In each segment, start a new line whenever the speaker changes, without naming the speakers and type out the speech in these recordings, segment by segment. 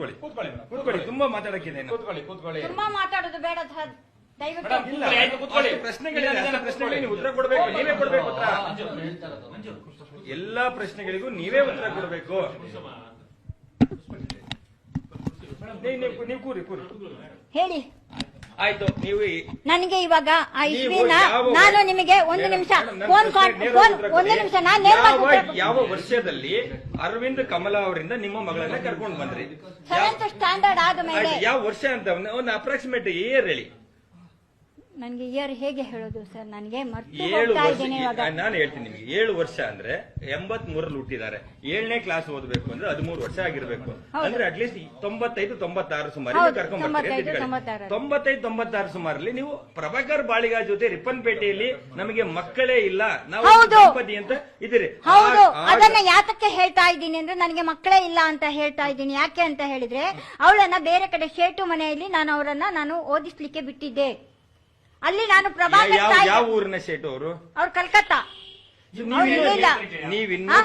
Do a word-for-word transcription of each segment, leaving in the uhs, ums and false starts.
ಕೂತ್ಕೊಳ್ಳಿ ಕೂತ್ಕೊಳ್ಳಿ ತುಂಬಾ ಮಾತಾಡಕ್ಕಿದೆ
ಕೂತ್ಕೊಳ್ಳಿ ಕೂತ್ಕೊಳ್ಳಿ
ತುಂಬಾ ಮಾತಾಡೋದು ಬೇಡ ಸರ್, ದಯವಿಟ್ಟು
ಪ್ರಶ್ನೆಗಳಿಗೆ ಪ್ರಶ್ನೆಗಳಿಗೆ ಉತ್ತರ ಕೊಡ್ಬೇಕು, ನೀವೇ ಕೊಡ್ಬೇಕು ಉತ್ತರ. ಎಲ್ಲಾ ಪ್ರಶ್ನೆಗಳಿಗೂ ನೀವೇ ಉತ್ತರ ಕೊಡ್ಬೇಕು. ನೀವು ಕೂರಿ ಕೂರಿ
ಹೇಳಿ.
ಆಯ್ತು, ನೀವು
ನನಗೆ ಇವಾಗ ಆ ಇಸ್ವಿನ ನಾನು ನಿಮಗೆ ಒಂದು ನಿಮಿಷ ಫೋನ್ ಫೋನ್ ಒಂದು ನಿಮಿಷ ನಾನು
ಯಾವ ವರ್ಷದಲ್ಲಿ ಅರವಿಂದ್ ಕಮಲಾ ಅವರಿಂದ ನಿಮ್ಮ ಮಗಳನ್ನ ಕರ್ಕೊಂಡು ಬಂದ್ರಿ?
ಸೆವೆಂತ್ ಸ್ಟ್ಯಾಂಡರ್ಡ್ ಆದ ಮೇಲೆ.
ಯಾವ ವರ್ಷ ಅಂತ ಒಂದು ಅಪ್ರಾಕ್ಸಿಮೇಟ್ ಇಯರ್ ಹೇಳಿ.
ನನಗೆ ಇಯರ್ ಹೇಗೆ ಹೇಳೋದು ಸರ್, ನನಗೆ ಮರ್ತು
ಏಳು
ಹೋಗ್ತಾ
ವರ್ಷ
ಇದ್ದೀನಿ ಇವಾಗ.
ನಾನು ಹೇಳ್ತೀನಿ ನಿಮ್ಗೆ, ಏಳು ವರ್ಷ ಅಂದ್ರೆ ಎಂಬತ್ ಮೂರಲ್ಲಿ ಹುಟ್ಟಿದ್ದಾರೆ. ಏಳನೇ ಕ್ಲಾಸ್ ಓದಬೇಕು ಅಂದ್ರೆ ಹದಿಮೂರು ವರ್ಷ ಆಗಿರ್ಬೇಕು. ಅಂದ್ರೆ ಅಟ್ಲೀಸ್ಟ್ ತೊಂಬತ್ತೈದು ತೊಂಬತ್ತಾರು ಸುಮಾರು ಕರ್ಕೊಂಡ್ ಬರ್ತೀರಿ. ತೊಂಬತ್ತೈದು ತೊಂಬತ್ತಾರು ಸುಮಾರಲ್ಲಿ ನೀವು ಪ್ರಭಾಕರ್ ಬಾಳಿಗ ಜೊತೆ ರಿಪ್ಪನ್ಪೇಟೆಯಲ್ಲಿ ನಮಗೆ ಮಕ್ಕಳೇ ಇಲ್ಲ, ನಾವು ದಂಪತಿ ಅಂತ ಇದ್ದೀರಿ.
ಹೌದು, ಅದನ್ನ ಯಾತಕ್ಕೆ ಹೇಳ್ತಾ ಇದ್ದೀನಿ ಅಂದ್ರೆ ನನಗೆ ಮಕ್ಕಳೇ ಇಲ್ಲ ಅಂತ ಹೇಳ್ತಾ ಇದ್ದೀನಿ. ಯಾಕೆ ಅಂತ ಹೇಳಿದ್ರೆ ಅವಳನ್ನ ಬೇರೆ ಕಡೆ ಶೇಟು ಮನೆಯಲ್ಲಿ ನಾನು ಅವರನ್ನ ನಾನು ಓದಿಸ್ಲಿಕ್ಕೆ ಬಿಟ್ಟಿದ್ದೆ. ಅಲ್ಲಿ ನಾನು ಪ್ರಭಾಕರ್
ಯಾವ ಊರಿನ ಶೇಟು ಅವರು?
ಅವ್ರು ಕಲ್ಕತ್ತಾ.
ನೀವಿನ್ನು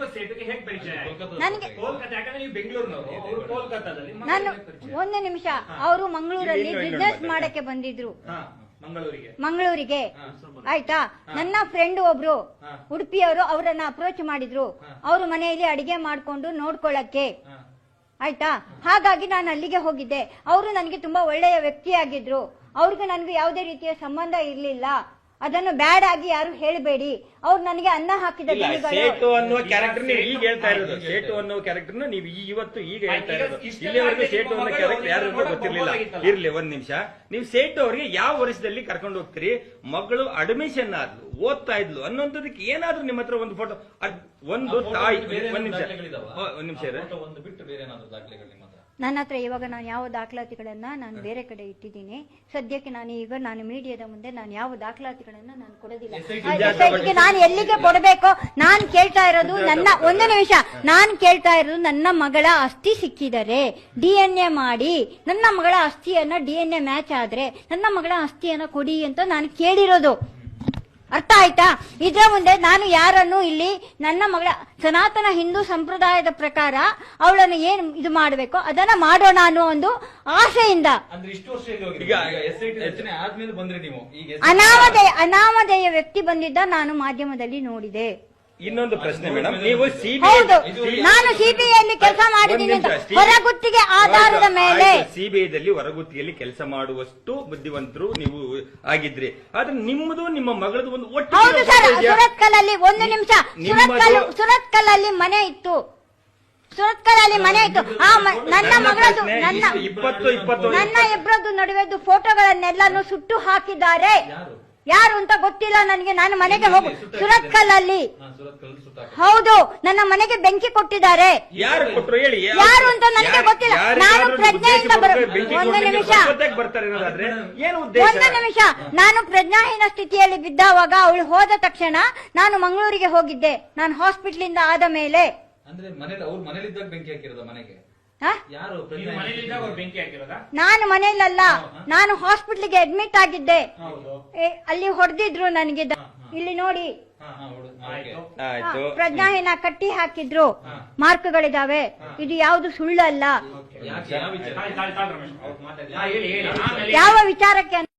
ನಾನು ಒಂದು ನಿಮಿಷ, ಅವರು ಮಂಗಳೂರಲ್ಲಿ ಬಿಸ್ನೆಸ್ ಮಾಡಕ್ಕೆ ಬಂದಿದ್ರು ಮಂಗಳೂರಿಗೆ, ಆಯ್ತಾ. ನನ್ನ ಫ್ರೆಂಡ್ ಒಬ್ರು ಉಡುಪಿಯವರು ಅವರನ್ನ ಅಪ್ರೋಚ್ ಮಾಡಿದ್ರು, ಅವ್ರ ಮನೆಯಲ್ಲಿ ಅಡಿಗೆ ಮಾಡ್ಕೊಂಡು ನೋಡ್ಕೊಳ್ಳಕ್ಕೆ, ಆಯ್ತಾ. ಹಾಗಾಗಿ ನಾನು ಅಲ್ಲಿಗೆ ಹೋಗಿದ್ದೆ. ಅವರು ನನಗೆ ತುಂಬಾ ಒಳ್ಳೆಯ ವ್ಯಕ್ತಿಯಾಗಿದ್ರು. ಅವ್ರಿಗೆ ನನಗೆ ಯಾವುದೇ ರೀತಿಯ ಸಂಬಂಧ ಇರ್ಲಿಲ್ಲ. ಅದನ್ನು ಬ್ಯಾಡ್ ಆಗಿ ಯಾರು ಹೇಳಬೇಡಿ. ಅವ್ರು ನನಗೆ ಅನ್ನ ಹಾಕಿದ
ಸೇಟು ಅನ್ನುವ ಕ್ಯಾರೆಕ್ಟರ್ ಈಗ ಹೇಳ್ತಾ ಇರೋದು. ಸೇಟು ಅನ್ನೋ ಕ್ಯಾರೆಕ್ಟರ್ ನೀವು ಇವತ್ತು ಈಗ ಹೇಳ್ತಾ ಇರೋದು. ಇಲ್ಲಿವರೆಗೂ ಸೇಟು ಅನ್ನೋ ಕ್ಯಾರೆಕ್ಟರ್ ಯಾರು ಗೊತ್ತಿರ್ಲಿಲ್ಲ. ಇರ್ಲಿ ಒಂದ್ ನಿಮಿಷ, ನೀವು ಸೇಟು ಅವರಿಗೆ ಯಾವ ವರ್ಷದಲ್ಲಿ ಕರ್ಕೊಂಡು ಹೋಗ್ತೀರಿ? ಮಗಳು ಅಡ್ಮಿಷನ್ ಆದ್ಲು, ಓದ್ತಾ ಇದ್ಲು ಅನ್ನೋಂಥದಕ್ಕೆ ಏನಾದ್ರೂ ನಿಮ್ಮ ಹತ್ರ ಒಂದು ಫೋಟೋ, ಒಂದು ತಾಯಿ, ಒಂದ್ ನಿಮಿಷ ಒಂದ್ ನಿಮಿಷ
ಒಂದು ಬಿಟ್ಟು ಬೇರೆ ಏನಾದ್ರು ದಾಖಲೆಗಳು
ನನ್ನ ಹತ್ರ ಇವಾಗ ನಾನು ಯಾವ ದಾಖಲಾತಿಗಳನ್ನ ನಾನು ಬೇರೆ ಕಡೆ ಇಟ್ಟಿದ್ದೀನಿ. ಸದ್ಯಕ್ಕೆ ನಾನು ಈಗ ನಾನು ಮೀಡಿಯಾದ ಮುಂದೆ ನಾನು ಯಾವ ದಾಖಲಾತಿಗಳನ್ನ ನಾನು ಕೊಡೋದಿಲ್ಲ. ಎಸ್ಐಟಿಗೆ ನಾನು ಎಲ್ಲಿಗೆ ಕೊಡಬೇಕು? ನಾನು ಕೇಳ್ತಾ ಇರೋದು ನನ್ನ ಒಂದು ನಿಮಿಷ ನಾನು ಕೇಳ್ತಾ ಇರೋದು ನನ್ನ ಮಗಳ ಅಸ್ಥಿ ಸಿಕ್ಕಿದರೆ ಡಿ ಎನ್ ಎ ಮಾಡಿ ನನ್ನ ಮಗಳ ಅಸ್ಥಿಯನ್ನ ಡಿ ಎನ್ ಎ ಮ್ಯಾಚ್ ಆದ್ರೆ ನನ್ನ ಮಗಳ ಅಸ್ಥಿಯನ್ನ ಕೊಡಿ ಅಂತ ನಾನು ಕೇಳಿರೋದು. ಅರ್ಥ ಆಯ್ತಾ? ಇದ್ರ ಮುಂದೆ ನಾನು ಯಾರನ್ನು ಇಲ್ಲಿ ನನ್ನ ಮಗಳ ಸನಾತನ ಹಿಂದೂ ಸಂಪ್ರದಾಯದ ಪ್ರಕಾರ ಅವಳನ್ನು ಏನ್ ಇದು ಮಾಡಬೇಕು ಅದನ್ನ ಮಾಡೋಣ ಅನ್ನೋ ಒಂದು ಆಸೆಯಿಂದ ಅನಾಮಧೇಯ ಅನಾಮಧೇಯ ವ್ಯಕ್ತಿ ಬಂದಿದ್ದ ನಾನು ಮಾಧ್ಯಮದಲ್ಲಿ ನೋಡಿದೆ.
ಇನ್ನೊಂದು ಪ್ರಶ್ನೆ ಮೇಡಮ್, ನೀವು
ಹೌದು ನಾನು ಸಿಬಿಐಯಲ್ಲಿ ಕೆಲಸ ಮಾಡಿದ್ದೀನಿ ಹೊರಗುತ್ತಿಗೆ ಆಧಾರದ ಮೇಲೆ.
ಸಿಬಿಐದಲ್ಲಿ ಹೊರಗುತ್ತಿಗೆಯಲ್ಲಿ ಕೆಲಸ ಮಾಡುವಷ್ಟು ಬುದ್ಧಿವಂತರು ನೀವು ಆಗಿದ್ರಿ. ಆದ್ರೆ ನಿಮ್ಮದು ನಿಮ್ಮ ಮಗಳದು ಒಂದು ಒಟ್ಟು.
ಹೌದು ಸರ್, ಸುರತ್ಕಲ್ ಅಲ್ಲಿ ಒಂದು ನಿಮಿಷ, ಸುರತ್ಕಲ್ ಸುರತ್ಕಲ್ ಅಲ್ಲಿ ಮನೆ ಇತ್ತು, ಸುರತ್ಕಲ್ ಅಲ್ಲಿ ಮನೆ ಇತ್ತು. ಆ ನನ್ನ ಮಗಳದು ನನ್ನ
ಇಪ್ಪತ್ತು ಇಪ್ಪತ್ತು
ನನ್ನ ಇಬ್ಬರದ್ದು ನಡುವೆದ್ದು ಫೋಟೋಗಳನ್ನೆಲ್ಲಾನು ಸುಟ್ಟು ಹಾಕಿದ್ದಾರೆ. ಯಾರು ಅಂತ ಗೊತ್ತಿಲ್ಲ ನನಗೆ. ನಾನು ಮನೆಗೆ ಹೋಗು ಸುರತ್ಕಲ್ ಅಲ್ಲಿ, ಹೌದು ನನ್ನ ಮನೆಗೆ ಬೆಂಕಿ ಕೊಟ್ಟಿದ್ದಾರೆ.
ಯಾರು ಕೊಟ್ಟರು ಹೇಳಿ?
ಯಾರು ಅಂತ ನನಗೆ ಗೊತ್ತಿಲ್ಲ. ನಾನು ಪ್ರಜ್ಞೆಯಿಂದ ಒಂದು ನಿಮಿಷ ಒಂದು ನಿಮಿಷ ನಾನು ಪ್ರಜ್ಞಾಹೀನ ಸ್ಥಿತಿಯಲ್ಲಿ ಬಿದ್ದಾವಾಗ ಅವಳು ಹೋದ ತಕ್ಷಣ ನಾನು ಮಂಗಳೂರಿಗೆ ಹೋಗಿದ್ದೆ. ನಾನು ಹಾಸ್ಪಿಟಲ್ ಇಂದ ಆದ ಮೇಲೆ
ಅಂದ್ರೆ ಮನೇಲಿ ಅವ್ರು ಮನೇಲಿದ್ದಾಗ ಬೆಂಕಿ ಹಾಕಿರೋದ ಮನೆಗೆ?
ನಾನು ಮನೆಯಲ್ಲ, ನಾನು ಹಾಸ್ಪಿಟ್ಲಿಗೆ ಅಡ್ಮಿಟ್ ಆಗಿದ್ದೆ. ಅಲ್ಲಿ ಹೊಡೆದಿದ್ರು ನನಗೆ. ಇಲ್ಲಿ ನೋಡಿ ಪ್ರಜ್ಞಾಹೀನ ಕಟ್ಟಿ ಹಾಕಿದ್ರು, ಮಾರ್ಕ್ಗಳಿದಾವೆ. ಇದು ಯಾವುದು ಸುಳ್ಳಲ್ಲ. ಯಾವ ವಿಚಾರಕ್ಕೆ